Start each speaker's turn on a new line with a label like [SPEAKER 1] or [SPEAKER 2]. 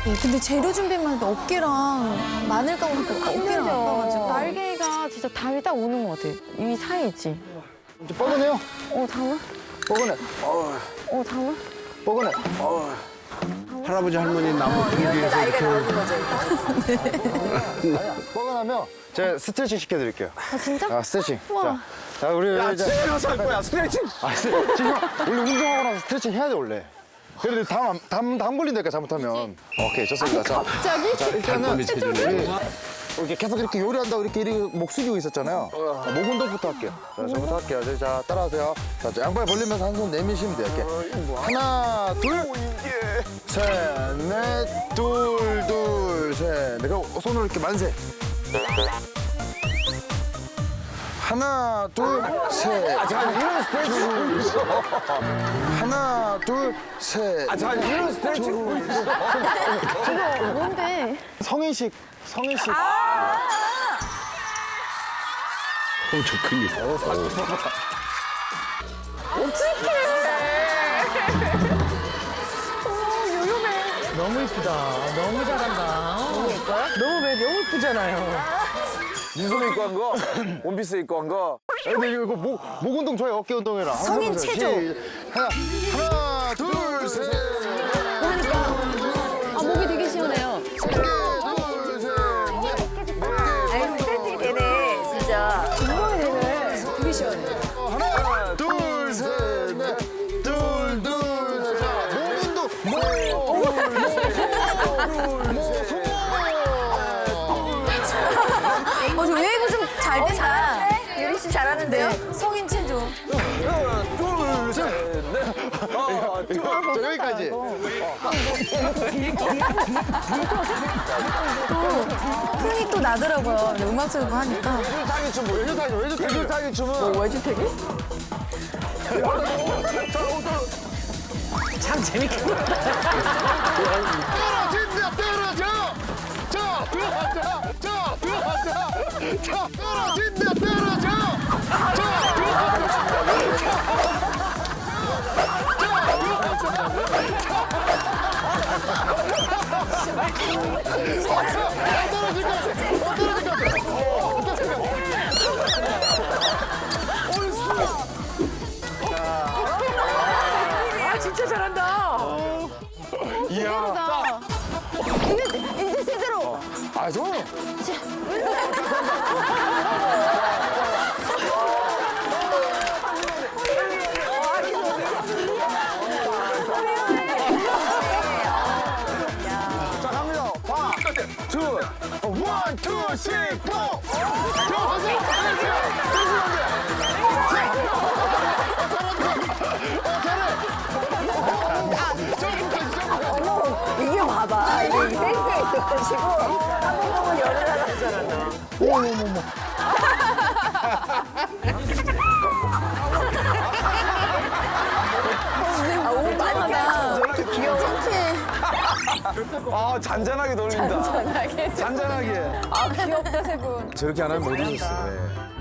[SPEAKER 1] 근데 재료 준비만 해도 어깨랑 마늘 까보니까 어깨랑 아파가지고.
[SPEAKER 2] 날개가 진짜 담이 딱 오는 것 같아. 이 사이지.
[SPEAKER 3] 좀 뻐근해요?
[SPEAKER 2] 담아?
[SPEAKER 3] 뻐근해.
[SPEAKER 2] 담아?
[SPEAKER 3] 뻐근해.
[SPEAKER 4] 할아버지 할머니 나무 길에서 이렇게
[SPEAKER 3] 아니야. 뻐근하면 제가 스트레칭 시켜드릴게요.
[SPEAKER 2] 아, 진짜?
[SPEAKER 3] 아, 스트레칭.
[SPEAKER 2] 우와.
[SPEAKER 3] 자, 우리
[SPEAKER 4] 야
[SPEAKER 3] 이제
[SPEAKER 4] 집에서 할 거야 스트레칭.
[SPEAKER 3] 지금 원래 운동하고 나서 스트레칭 해야 돼 원래. 그래도 담 걸린다니까 잘못하면. 오케이 좋습니다. 자,
[SPEAKER 2] 갑자기?
[SPEAKER 3] 자 일단은
[SPEAKER 4] 발톱이 체중이
[SPEAKER 3] 우리 이렇게 계속 이렇게 요리한다고 이렇게 목 숙이고 있었잖아요. 자, 목 운동부터 할게요. 자, 저부터 할게요. 자, 따라하세요. 자, 양발 벌리면서 한 손 내미시면 돼요. 이렇게. 하나, 둘, 셋, 넷, 둘, 셋. 넷. 그리고 손으로 이렇게 만세. 하나, 둘, 셋. 자, 이런 스트레칭 있어. 하나, 둘, 셋.
[SPEAKER 4] 자 이런 스트레칭.
[SPEAKER 2] 뭔데?
[SPEAKER 3] 성인식.
[SPEAKER 4] 저 근육.
[SPEAKER 5] 너무 이쁘다. 너무 잘한다. 너무 이쁘잖아요.
[SPEAKER 4] 민소매 입고 한 거, 원피스 입고 한 거.
[SPEAKER 3] 근데 이거 목 운동 좋아요. 어깨 운동해라.
[SPEAKER 1] 성인 체조.
[SPEAKER 3] 하나, 둘, 셋.
[SPEAKER 2] 아, 목이 되게 시원해요.
[SPEAKER 3] 둘, 셋.
[SPEAKER 6] 아니 스트레칭이 되네 진짜.
[SPEAKER 2] 운동이 되네.
[SPEAKER 1] 되게 시원해.
[SPEAKER 3] 하나, 둘, 셋, 넷. 둘, 셋. 목 운동.
[SPEAKER 1] 저 웨이브 좀 잘 되나?
[SPEAKER 6] 유리 씨 잘하는데요?
[SPEAKER 1] 성인 체조.
[SPEAKER 4] 둘, 셋, 넷.
[SPEAKER 3] 자, 여기까지.
[SPEAKER 1] 흥이 또 나더라고요. 음악 들고 하니까.
[SPEAKER 3] 외줄타기 춤, 외줄타기 춤은.
[SPEAKER 5] 외주택이? 참 재밌겠다.
[SPEAKER 3] 떨어져! 자, 들어가자! 자, 떨어진다, 떨어져! 자,
[SPEAKER 5] 아, 진짜 잘한다.
[SPEAKER 3] 이야.
[SPEAKER 2] 이제 제대로.
[SPEAKER 3] 아, 저. 자, 갑니다. 원, 투, 쓰리, 포. 저,
[SPEAKER 6] 이게 봐봐 이게 센스가 있어가지고 한 번 보면 열을 하나.
[SPEAKER 1] 옷 많이
[SPEAKER 6] 이렇게 귀여워.
[SPEAKER 1] 창피해.
[SPEAKER 4] 아 잔잔하게 놀린다. 잔잔하게.
[SPEAKER 2] 아, 귀엽다, 세 분.
[SPEAKER 4] 저렇게 안 하면 못 잊었어. 네.